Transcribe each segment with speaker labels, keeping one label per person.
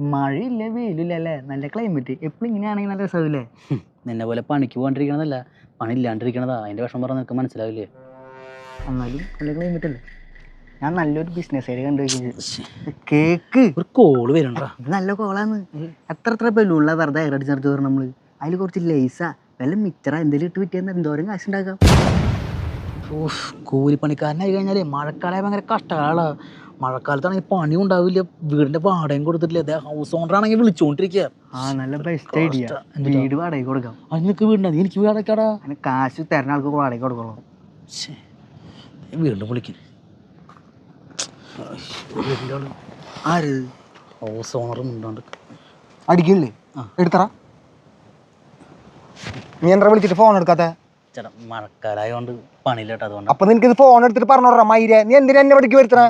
Speaker 1: മഴയില്ല വെയിലില്ല അല്ലേ, നല്ല ക്ലൈമറ്റ്. എപ്പോഴും ഇങ്ങനെയാണെങ്കിൽ നല്ല രസമില്ലേ?
Speaker 2: നിന്നെ പോലെ പണിക്ക് പോകാണ്ടിരിക്കണതല്ല, പണി ഇല്ലാണ്ടിരിക്കണതാ. അതിന്റെ വിഷമം പറഞ്ഞാൽ നിനക്ക് മനസ്സിലാവില്ലേ?
Speaker 1: എന്നാലും നല്ല ക്ലൈമറ്റ് അല്ലേ. ഞാൻ നല്ലൊരു ബിസിനസ് ഐഡിയ കണ്ടുവയ്ക്കുന്നത്. കേക്ക്
Speaker 2: ഒരു കോള് വരണ്ട.
Speaker 1: ഇത് നല്ല കോളാന്ന്. എത്ര ബലൂണില വെറുതെ അടിച്ചെടുത്ത് വരണം നമ്മള്. അതിൽ കുറച്ച് ലേസാ വല്ല മിച്ചറ എന്തെങ്കിലും ഇട്ട് വിറ്റിയെന്ന് എന്തോരം കാശുണ്ടാക്കാം.
Speaker 2: കൂലിപ്പണിക്കാരനായി കഴിഞ്ഞാലേ മഴക്കാലം ഭയങ്കര കഷ്ടകാലാ. മഴക്കാലത്താണെങ്കിൽ പണിയും ഉണ്ടാവില്ല, വീടിന്റെ വാടകയും കൊടുത്തിട്ടില്ല. ഹൗസ് ഓണർ ആണെങ്കിൽ വിളിച്ചോണ്ടിരിക്കുക.
Speaker 1: നല്ല ബെസ്റ്റ് ഐഡിയ. വീട് വാടകയ്ക്ക് കൊടുക്കാം.
Speaker 2: നിനക്ക് വീടുണ്ടാ? എനിക്ക് വീടക്കാടാ.
Speaker 1: അതിന് കാശ് തരുന്ന ആൾക്ക് വാടകയ്ക്ക് കൊടുക്കണം.
Speaker 2: വീണ്ടും വിളിക്കുന്നു.
Speaker 1: ആര്?
Speaker 2: ഹൗസ് ഓണറും ഉണ്ടാണ്ട്
Speaker 3: അടിക്കില്ലേ? എടുത്തറ. നീ എന്താ വിളിച്ചിട്ട് ഫോൺ എടുക്കാത്ത?
Speaker 2: ചേട്ടാ മഴക്കാലായോണ്ട് പണിയില്ലട്ടോ, അതുകൊണ്ട്.
Speaker 3: അപ്പൊ നിനക്ക് ഫോൺ എടുത്തിട്ട് പറഞ്ഞോടാ മയിരെ, നീ എന്തിനാ എന്നെ പഠിക്ക് വരുത്തണ?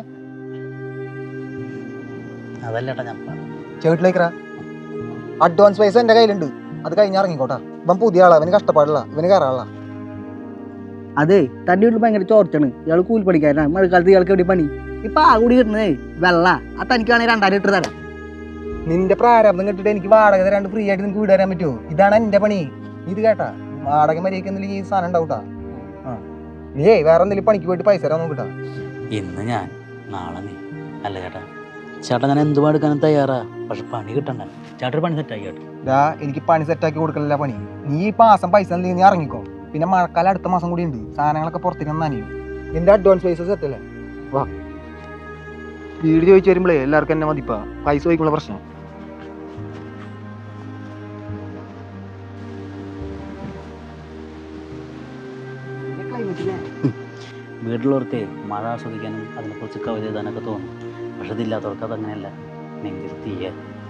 Speaker 2: അതല്ലേട്ടാ ഞാൻ
Speaker 3: ചേട്ടിലേക്കറ. അഡ്വാൻസ് പൈസ എന്റെ കയ്യിലുണ്ട്, അത് കഴിഞ്ഞിറങ്ങിക്കോട്ടാ. ഇവൻ പുതിയ ആളാ, ഇവന് കഷ്ടപ്പാടില്ല, ഇവന് കയറാനുള്ള.
Speaker 1: അതെ, തന്റെ വീട്ടിൽ ഭയങ്കര ചോർച്ചാണ്. ഇയാൾ കൂലി പഠിക്കാനാണ്. മഴക്കാലത്ത് ഇയാൾക്ക് എവിടെ പണി? ഇപ്പൊ ആ കൂടി കിട്ടുന്നേ വെള്ള. ആ തനിക്കാണെങ്കിൽ 2000 ലിറ്റർ തരാം.
Speaker 3: നിന്റെ പ്രാരാബ്ദം കെട്ടിട്ട് എനിക്ക് വാടക തരാണ്ട് ഫ്രീ ആയിട്ട് നിനക്ക് വീട് തരാൻ പറ്റുമോ? ഇതാണ് എന്റെ പണി. ഇത് കേട്ടാ, വാടക മര്യാദക്കെന്തെങ്കിലും ഈ സാധനം ഉണ്ടാവൂട്ടാ. നീ വേറെ എന്തെങ്കിലും പണിക്ക് പോയിട്ട് പൈസ തരാൻ നോക്കിട്ടാ.
Speaker 2: ഇന്ന് ഞാൻ, നാളെ നീ. അല്ല ചേട്ടാ, ചേട്ടാ ഞാൻ എന്തും എടുക്കാനും തയ്യാറാ, പക്ഷെ പണി കിട്ടണ്ട. ചേട്ടൻ പണി സെറ്റാക്കി കേട്ടോ.
Speaker 3: എനിക്ക് പണി സെറ്റാക്കി കൊടുക്കലില്ല പണി. നീ ഈ മാസം പൈസ എന്തെങ്കിലും നീ ഇറങ്ങിക്കോ. പിന്നെ മഴക്കാലം അടുത്ത മാസം കൂടി ഉണ്ട്, സാധനങ്ങളൊക്കെ പുറത്തേക്ക് നനയും. നിന്റെ അഡ്വാൻസ് പൈസ സെറ്റല്ലേ? വാ. വീട് ചോദിച്ചു വരുമ്പോഴേ എല്ലാവർക്കും എന്നെ മതിപ്പാ, പൈസ ചോദിക്കുള്ള പ്രശ്നം.
Speaker 2: വീട്ടിലുള്ളവർക്ക് മഴ ആസ്വദിക്കാനും അതിനെക്കുറിച്ച് കവിത എഴുതാനൊക്കെ തോന്നും. പക്ഷെ ഇതില്ലാത്തവർക്ക് അതങ്ങനെയല്ല, നെഞ്ചിൽ തീയ.